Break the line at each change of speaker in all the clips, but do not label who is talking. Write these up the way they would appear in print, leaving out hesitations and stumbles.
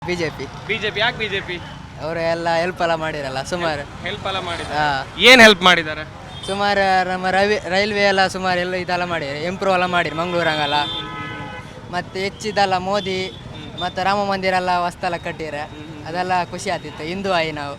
BJP.
BJP ಯಾಕೆ BJP?
ಅವರು ಎಲ್ಲ ಹೆಲ್ಪ್ ಎಲ್ಲ ಮಾಡಿರಲ್ಲ ಸುಮಾರು.
ಹೆಲ್ಪ್ ಎಲ್ಲ ಮಾಡಿದ್ದಾರೆ. ಏನ್ ಹೆಲ್ಪ್ ಮಾಡಿದ್ದಾರೆ?
ಸುಮಾರು ನಮ್ಮ ರೈಲ್ವೆ ಎಲ್ಲ ಸುಮಾರು ಎಲ್ಲ ಇದೆಲ್ಲ ಮಾಡಿರಿ, ಇಂಪ್ರೂವ್ ಎಲ್ಲ ಮಾಡಿರಿ ಮಂಗಳೂರಂಗೆಲ್ಲ. ಮತ್ತು ಹೆಚ್ಚಿದಲ್ಲ ಮೋದಿ ಮತ್ತು ರಾಮ ಮಂದಿರ ಎಲ್ಲ ಹೊಸ್ತೆಲ್ಲ ಕಟ್ಟಿರ, ಅದೆಲ್ಲ ಖುಷಿ ಆಗ್ತಿತ್ತು. ಹಿಂದೂ ಆಯಿ ನಾವು.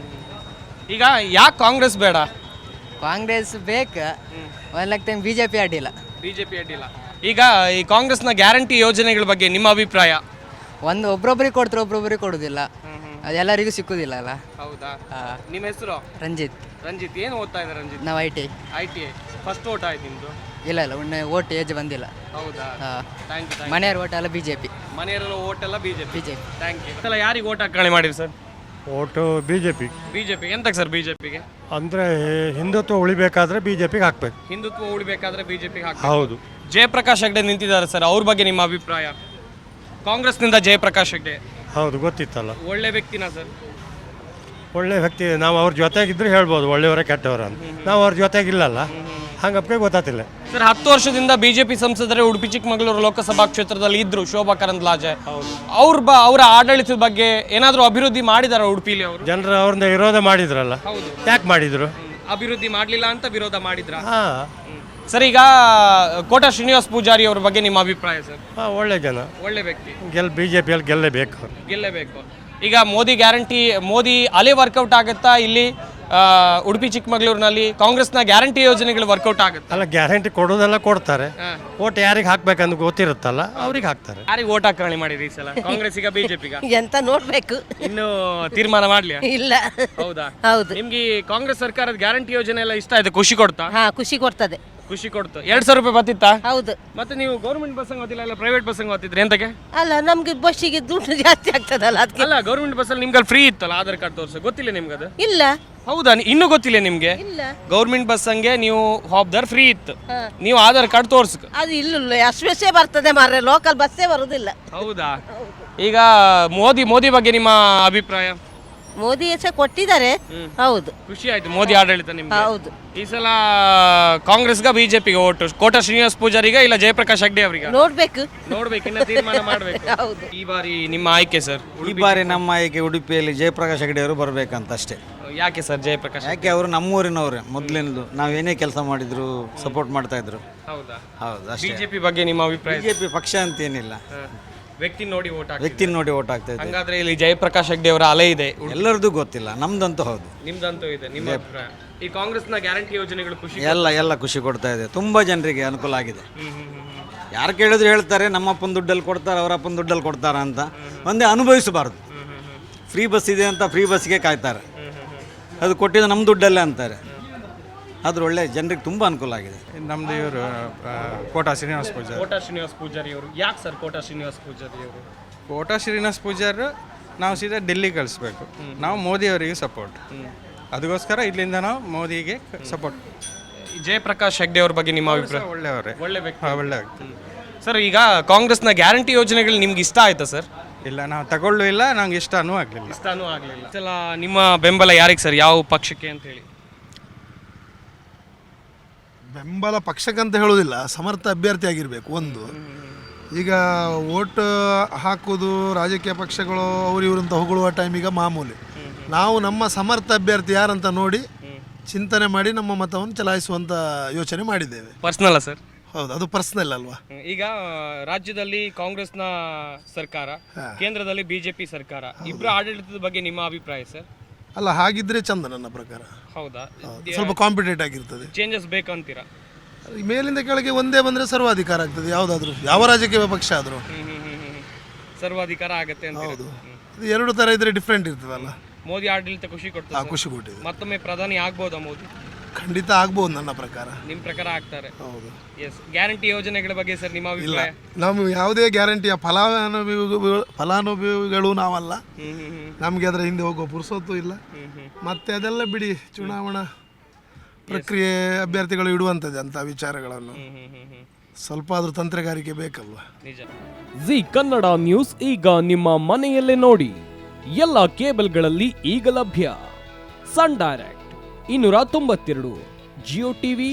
ಈಗ ಯಾಕೆ ಕಾಂಗ್ರೆಸ್ ಬೇಡ?
ಕಾಂಗ್ರೆಸ್ ಬೇಕು, ಒಂದು ಟೈಮ್ ಬಿಜೆಪಿ ಅಡ್ಡಿಲ್ಲ.
ಬಿಜೆಪಿ ಅಡ್ಡಿಲ್ಲ. ಈಗ ಈ ಕಾಂಗ್ರೆಸ್ನ ಗ್ಯಾರಂಟಿ ಯೋಜನೆಗಳ ಬಗ್ಗೆ ನಿಮ್ಮ ಅಭಿಪ್ರಾಯ?
ಒಬ್ರೊಬ್ರಿಗೆ ಕೊಡ್ತಾರೆ, ಒಬ್ರೊಬ್ರಿಗೆ ಕೊಡೋದಿಲ್ಲ, ಅದೆಲ್ಲರಿಗೂ ಸಿಕ್ಕುದಿಲ್ಲ ಅಲ್ಲ.
ಹೌದಾ? ನಿಮ್ಮ ಹೆಸರು?
ರಂಜಿತ್.
ರಂಜಿತ್ ಏನು ಓದ್ತಾ ಇದ್ದಾರೆ ರಂಜಿತ್?
ನಾವು ಐ
ITI ಫಸ್ಟ್ ಓಟ್ ಆಯ್ತು ನಿಮ್ದು?
ಇಲ್ಲ ಓಟ್ ಏಜ್ ಬಂದಿಲ್ಲ.
ಹೌದಾ? Thank you.
ಮನೆಯವ್ರ ಓಟ್ ಎಲ್ಲ ಬಿಜೆಪಿ.
ಮನೆಯವರೆಲ್ಲ ಓಟ್ ಎಲ್ಲ ಬಿಜೆಪಿ.
Thank you.
ಎಲ್ಲ ಯಾರಿಗೆ ಓಟ್ ಹಾಕಿ ಮಾಡಿರಿ ಸರ್?
Vote BJP.
ಬಿಜೆಪಿ ಎಂತಕ್ಕೆ ಸರ್ ಬಿಜೆಪಿಗೆ?
ಅಂದರೆ ಹಿಂದುತ್ವ ಉಳಿಬೇಕಾದ್ರೆ ಬಿಜೆಪಿಗೆ ಹಾಕ್ಬೇಕು.
ಹಿಂದುತ್ವ ಉಳಿಬೇಕಾದ್ರೆ ಬಿಜೆಪಿಗೆ ಹಾಕಿ.
ಹೌದು.
ಜಯಪ್ರಕಾಶ್ ಹೆಗ್ಡೆ ನಿಂತಿದ್ದಾರೆ ಸರ್, ಅವ್ರ ಬಗ್ಗೆ ನಿಮ್ಮ ಅಭಿಪ್ರಾಯ? ಕಾಂಗ್ರೆಸ್ನಿಂದ ಜಯಪ್ರಕಾಶ್ ಹೆಗ್ಡೆ
ಹೌದು, ಗೊತ್ತಿತ್ತಲ್ಲ.
ಒಳ್ಳೆ ವ್ಯಕ್ತಿನ ಸರ್?
ಒಳ್ಳೆ ವ್ಯಕ್ತಿ. ನಾವು ಅವ್ರ ಜೊತೆಗಿದ್ರೆ ಹೇಳ್ಬೋದು ಒಳ್ಳೆಯವರ ಕೆಟ್ಟವರ ಅಂತ. ನಾವು ಅವ್ರ ಜೊತೆಗಿಲ್ಲಲ್ಲ, ಹಂಗಪ್ಪ ಗೊತ್ತಾತಿಲ್ಲ
ಸರ್. 10 ವರ್ಷದಿಂದ ಬಿಜೆಪಿ ಸಂಸದರೇ ಉಡುಪಿ ಚಿಕ್ಕಮಗಳೂರು ಲೋಕಸಭಾ ಕ್ಷೇತ್ರದಲ್ಲಿ ಇದ್ರು, ಶೋಭಾ ಕರಂದ್ಲಾಜೆ. ಅವರ ಆಡಳಿತದ ಬಗ್ಗೆ ಏನಾದರೂ ಅಭಿವೃದ್ಧಿ ಮಾಡಿದಾರ ಉಡುಪಿಲಿ ಅವರು?
ಜನರು ಅವ್ರನ್ನ ವಿರೋಧ ಮಾಡಿದ್ರಲ್ಲ.
ಹೌದು.
ಯಾಕೆ ಮಾಡಿದ್ರು?
ಅಭಿವೃದ್ಧಿ ಮಾಡಲಿಲ್ಲ ಅಂತ ವಿರೋಧ ಮಾಡಿದ್ರ?
ಹಾಂ
ಸರ್. ಈಗ ಕೋಟ ಶ್ರೀನಿವಾಸ್ ಪೂಜಾರಿ ಅವ್ರ ಬಗ್ಗೆ ನಿಮ್ಮ ಅಭಿಪ್ರಾಯ ಸರ್?
ಒಳ್ಳೆ ಜನ,
ಒಳ್ಳೆ ವ್ಯಕ್ತಿ.
ಬಿಜೆಪಿಯಲ್ಲಿ ಗೆಲ್ಲೇಬೇಕು ಅವ್ರು.
ಗೆಲ್ಲೇಬೇಕು. ಈಗ ಮೋದಿ ಅಲೆ ವರ್ಕೌಟ್ ಆಗುತ್ತಾ ಇಲ್ಲಿ ಉಡುಪಿ ಚಿಕ್ಕಮಗಳೂರಿನಲ್ಲಿ? ಕಾಂಗ್ರೆಸ್ನ ಗ್ಯಾರಂಟಿ ಯೋಜನೆಗಳು ವರ್ಕೌಟ್ ಆಗುತ್ತೆ?
ಅಲ್ಲ, ಗ್ಯಾರಂಟಿ ಕೊಡೋದೆಲ್ಲ ಕೊಡ್ತಾರೆ. ಓಟ್ ಯಾರಿಗೆ ಹಾಕ್ಬೇಕಂತ ಗೊತ್ತಿರುತ್ತಲ್ಲ, ಅವ್ರಿಗೆ ಹಾಕ್ತಾರೆ.
ಯಾರಿಗೆ ಓಟ್ ಹಾಕಿ ಮಾಡಿರಿ ಈ ಸಲ? ಕಾಂಗ್ರೆಸ್ಸಿಗ ಬಿಜೆಪಿಗ
ಎಂತ ನೋಡ್ಬೇಕು,
ಇನ್ನು ತೀರ್ಮಾನ ಮಾಡ್ಲಿ?
ಇಲ್ಲ.
ಹೌದಾ?
ಹೌದು.
ನಿಮ್ಗೆ ಕಾಂಗ್ರೆಸ್ ಸರ್ಕಾರದ ಗ್ಯಾರಂಟಿ ಯೋಜನೆ ಎಲ್ಲ ಇಷ್ಟ ಆಯ್ತು? ಖುಷಿ ಕೊಡ್ತಾ?
ಖುಷಿ ಕೊಡ್ತದೆ.
ಖುಷಿ ಕೊಡ್ತು. 2,000 ರೂಪಾಯಿ ಬರ್ತಿತ್ತಾ?
ಹೌದು.
ಮತ್ತೆ ನೀವು ಗೌರ್ಮೆಂಟ್ ಬಸ್ ಓದಿಲ್ಲ, ಇಲ್ಲ ಪ್ರೈವೇಟ್ ಬಸ್ ಓದಿದ್ರಿ? ಎಂತಕ್ಕೆ?
ಅಲ್ಲ, ನಮ್ಗೆ ಬಸ್ಸಿಗೆ ದುಡ್ಡು ಜಾಸ್ತಿ ಆಗ್ತದಲ್ಲ ಅದಕ್ಕೆ.
ಅಲ್ಲ, ಗೌರ್ಮೆಂಟ್ ಬಸ್ ಅಲ್ಲಿ ನಿಮ್ಗೆ ಫ್ರೀ ಇತ್ತಲ್ಲ ಆಧಾರ್ ಕಾರ್ಡ್ ತೋರಿಸ, ಗೊತ್ತಿಲ್ಲ ನಿಮ್ಗೆ ಅದು?
ಇಲ್ಲ.
ಹೌದಾ? ಇನ್ನೂ ಗೊತ್ತಿಲ್ಲ ನಿಮ್ಗೆ?
ಇಲ್ಲ.
ಗೌರ್ಮೆಂಟ್ ಬಸ್ ಹಂಗೆ ನೀವು ಹಾಬ್ದಾರ್ ಫ್ರೀ ಇತ್ತು, ನೀವು ಆಧಾರ್ ಕಾರ್ಡ್ ತೋರ್ಸಕ್.
ಅದು ಇಲ್ಲ, ಅಷ್ಟೇ ಬರ್ತದೆ ಮಾರ್ರೆ, ಲೋಕಲ್ ಬಸ್ಸೇ ಬರುದಿಲ್ಲ.
ಹೌದಾ? ಈಗ ಮೋದಿ ಬಗ್ಗೆ ನಿಮ್ಮ ಅಭಿಪ್ರಾಯ?
ಮೋದಿ ಹೆಸರು ಕೊಟ್ಟಿದ್ದಾರೆ. ಹೌದು.
ಖುಷಿ ಆಯ್ತು ಮೋದಿ ಆಡಳಿತ ನಿಮ್ಗೆ?
ಹೌದು.
ಈ ಸಲ ಕಾಂಗ್ರೆಸ್ಗ ಬಿಜೆಪಿಗೆ ಓಟು? ಕೋಟ ಶ್ರೀನಿವಾಸ್ ಪೂಜಾರಿಗ ಇಲ್ಲ ಜಯಪ್ರಕಾಶ್ ಹೆಗ್ಡೆ ಅವರಿಗೆ?
ನೋಡ್ಬೇಕು,
ಇನ್ನ ತೀರ್ಮಾನ ಮಾಡ್ಬೇಕು.
ಹೌದು.
ಈ ಬಾರಿ ನಿಮ್ಮ ಆಯ್ಕೆ ಸರ್?
ಈ ಬಾರಿ ನಮ್ಮ ಆಯ್ಕೆ ಉಡುಪಿಯಲ್ಲಿ ಜಯಪ್ರಕಾಶ್ ಹೆಗಡೆ ಅವರು ಬರಬೇಕಂತ ಅಷ್ಟೇ.
ಯಾಕೆ ಸರ್ ಜಯಪ್ರಕಾಶ್?
ಯಾಕೆ ಅವರು ನಮ್ಮೂರಿನವರೇ ಮೊದಲಿನದು, ನಾವೇನೇ ಕೆಲಸ ಮಾಡಿದ್ರು ಸಪೋರ್ಟ್ ಮಾಡ್ತಾ ಇದ್ರು.
ಹೌದಾ?
ಹೌದು ಅಷ್ಟೇ.
ಬಿಜೆಪಿ ಬಗ್ಗೆ ನಿಮ್ಮ ಅಭಿಪ್ರಾಯ?
ಬಿಜೆಪಿ ಪಕ್ಷ ಅಂತ ಏನಿಲ್ಲ,
ವ್ಯಕ್ತಿ ನೋಡಿ ಓಟ್ ಹಾಕಿ.
ವ್ಯಕ್ತಿ ನೋಡಿ ಓಟ್ ಆಗ್ತಾ ಇದೆ.
ಹಂಗಾದ್ರೆ ಇಲ್ಲಿ ಜಯಪ್ರಕಾಶ್ ಹೆಗ್ಡೆ ಅವರ ಅಲೆ ಇದೆ?
ಎಲ್ಲರದ್ದು ಗೊತ್ತಿಲ್ಲ, ನಮ್ದಂತೂ ಹೌದು.
ನಿಮ್ದಂತೂ ಇದೆ. ನಿಮ್ಮ ಅಭಿಪ್ರಾಯ? ಈ ಕಾಂಗ್ರೆಸ್ನ ಗ್ಯಾರಂಟಿ ಯೋಜನೆಗಳು ಖುಷಿ?
ಎಲ್ಲ ಖುಷಿ ಕೊಡ್ತಾ ಇದೆ, ತುಂಬಾ ಜನರಿಗೆ ಅನುಕೂಲ ಆಗಿದೆ. ಯಾರು ಕೇಳಿದ್ರು ಹೇಳ್ತಾರೆ ನಮ್ಮಪ್ಪನ ದುಡ್ಡಲ್ಲಿ ಕೊಡ್ತಾರೆ, ಅವರಪ್ಪನ ದುಡ್ಡಲ್ಲಿ ಕೊಡ್ತಾರ ಅಂತ. ಒಂದೇ ಅನುಭವಿಸಬಾರ್ದು. ಫ್ರೀ ಬಸ್ ಇದೆ ಅಂತ ಫ್ರೀ ಬಸ್ಗೆ ಕಾಯ್ತಾರೆ, ಅದು ಕೊಟ್ಟಿದ್ದು ನಮ್ಮ ದುಡ್ಡಲ್ಲೇ ಅಂತಾರೆ. ಆದ್ರೆ ಒಳ್ಳೆ ಜನರಿಗೆ ತುಂಬಾ ಅನುಕೂಲ ಆಗಿದೆ.
ನಮ್ದು ಇವರು ಕೋಟ ಶ್ರೀನಿವಾಸ್ ಪೂಜಾರಿ.
ಕೋಟ ಶ್ರೀನಿವಾಸ್ ಪೂಜಾರಿ ಅವರು ಯಾಕೆ ಸರ್? ಕೋಟ ಶ್ರೀನಿವಾಸ್ ಪೂಜಾರಿ ಅವರು?
ಕೋಟ ಶ್ರೀನಿವಾಸ್ ಪೂಜಾರಿ ನಾವು ಸೀದಾ ಡೆಲ್ಲಿ ಕಳಿಸ್ಬೇಕು, ನಾವು ಮೋದಿ ಅವರಿಗೆ ಸಪೋರ್ಟ್. ಅದಕ್ಕೋಸ್ಕರ ಇಲ್ಲಿಂದ ನಾವು ಮೋದಿಗೆ ಸಪೋರ್ಟ್.
ಜಯಪ್ರಕಾಶ್ ಹೆಗ್ಡೆ ಅವ್ರ ಬಗ್ಗೆ ನಿಮ್ಮ ಅಭಿಪ್ರಾಯ?
ಒಳ್ಳೆಯವರೇ,
ಒಳ್ಳೆ ವ್ಯಕ್ತಿ.
ಒಳ್ಳೆ ವ್ಯಕ್ತಿ.
ಸರ್, ಈಗ ಕಾಂಗ್ರೆಸ್ನ ಗ್ಯಾರಂಟಿ ಯೋಜನೆಗಳು ನಿಮ್ಗೆ ಇಷ್ಟ ಆಯ್ತಾ ಸರ್?
ಇಲ್ಲ, ನಾವು ತಗೊಳ್ಳೂ ಇಲ್ಲ, ನಂಗೆ ಇಷ್ಟನೂ ಆಗಲಿಲ್ಲ.
ಇಷ್ಟನೂ ಆಗಲಿಲ್ಲ. ಸಲ ನಿಮ್ಮ ಬೆಂಬಲ ಯಾರಿಗೆ ಸರ್? ಯಾವ ಪಕ್ಷಕ್ಕೆ ಅಂತ ಹೇಳಿ?
ಬೆಂಬಲ ಪಕ್ಷಕ್ಕಂತ ಹೇಳೋದಿಲ್ಲ, ಸಮರ್ಥ ಅಭ್ಯರ್ಥಿ ಆಗಿರಬೇಕು ಒಂದು. ಈಗ ಓಟ್ ಹಾಕೋದು ರಾಜಕೀಯ ಪಕ್ಷಗಳು ಅವ್ರು ಇವ್ರಂತ ಹೊಗಳುವ ಟೈಮಿಗೆ ಮಾಮೂಲಿ. ನಾವು ನಮ್ಮ ಸಮರ್ಥ ಅಭ್ಯರ್ಥಿ ಯಾರಂತ ನೋಡಿ ಚಿಂತನೆ ಮಾಡಿ ನಮ್ಮ ಮತವನ್ನು ಚಲಾಯಿಸುವಂಥ ಯೋಚನೆ ಮಾಡಿದ್ದೇವೆ.
ಪರ್ಸನಲ್ಲ ಸರ್?
ಹೌದು, ಅದು ಪರ್ಸನಲ್ ಅಲ್ವಾ.
ಈಗ ರಾಜ್ಯದಲ್ಲಿ ಕಾಂಗ್ರೆಸ್ನ ಸರ್ಕಾರ, ಕೇಂದ್ರದಲ್ಲಿ ಬಿಜೆಪಿ ಸರ್ಕಾರ, ಇಬ್ಬರ ಆಡಳಿತದ ಬಗ್ಗೆ ನಿಮ್ಮ ಅಭಿಪ್ರಾಯ ಸರ್?
ಅಲ್ಲ, ಹಾಗಿದ್ರೆ ಚಂದ ನನ್ನ ಪ್ರಕಾರ.
ಹೌದಾ?
ಸ್ವಲ್ಪ ಕಾಂಪಿಟೇಟ್ ಆಗಿರ್ತದೆ.
ಚೇಂಜಸ್ ಬೇಕಂತೀರಾ?
ಮೇಲಿಂದ ಕೆಳಗೆ ಒಂದೇ ಬಂದರೆ ಸರ್ವಾಧಿಕಾರ ಆಗ್ತದೆ, ಯಾವುದಾದ್ರೂ ಯಾವ ರಾಜಕೀಯ ಪಕ್ಷ ಆದರೂ
ಸರ್ವಾಧಿಕಾರ ಆಗತ್ತೆ ಅಂತ.
ಹೌದು, ಇದು ಎರಡು ಥರ ಇದ್ರೆ ಡಿಫ್ರೆಂಟ್ ಇರ್ತದಲ್ಲ.
ಮೋದಿ ಆಡಳಿತ ಖುಷಿ ಕೊಡ್ತದೆ?
ಖುಷಿ ಕೊಟ್ಟಿದೆ.
ಮತ್ತೊಮ್ಮೆ ಪ್ರಧಾನಿ ಆಗ್ಬೋದಾ ಮೋದಿ?
ಖಂಡಿತ ಆಗ್ಬೋದು ನನ್ನ ಪ್ರಕಾರ.
ನಿಮ್ಮ ಪ್ರಕಾರ ಆಗ್ತಾರೆ?
ಹೌದು.
ಎಸ್. ಗ್ಯಾರಂಟಿ ಯೋಜನೆಗಳ ಬಗ್ಗೆ ಸರ್ ನಿಮ್ಮ ಅಭಿಪ್ರಾಯ?
ನಾವು ಯಾವುದೇ ಗ್ಯಾರಂಟಿಯ ಫಲಾನುಭವಿಗಳು ನಾವಲ್ಲ. ನಮಗೆ ಅದರ ಹಿಂದೆ ಹೋಗೋ ಪುರ್ಸೊತ್ತು ಇಲ್ಲ. ಮತ್ತೆ ಅದೆಲ್ಲ ಬಿಡಿ, ಚುನಾವಣಾ ಪ್ರಕ್ರಿಯೆ ಅಭ್ಯರ್ಥಿಗಳು ಇಡುವಂಥದ್ದು ಅಂತ ವಿಚಾರಗಳನ್ನು. ಸ್ವಲ್ಪ ಆದ್ರೂ ತಂತ್ರಗಾರಿಕೆ ಬೇಕಲ್ವ.
ನಿಜ.
ಜಿ ಕನ್ನಡ ನ್ಯೂಸ್ ಈಗ ನಿಮ್ಮ ಮನೆಯಲ್ಲೇ ನೋಡಿ. ಎಲ್ಲ ಕೇಬಲ್ಗಳಲ್ಲಿ ಈಗ ಲಭ್ಯ. Sun direct 292, Jio TV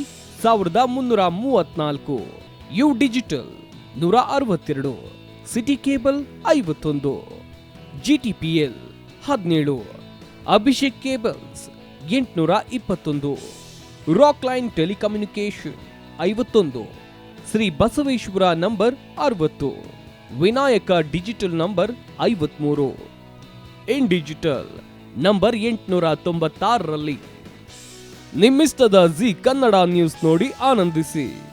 1334, U digital 162, city cable 51, GTPL 17, Abhishek cables 821, rock line telecommunication 51, Shri Basaveshwara number 60, Vinayaka digital number 53, in digital number 896ರಲ್ಲಿ. ನಿಮ್ಮಿಸ್ತದ ಜಿ ಕನ್ನಡ ನ್ಯೂಸ್ ನೋಡಿ ಆನಂದಿಸಿ.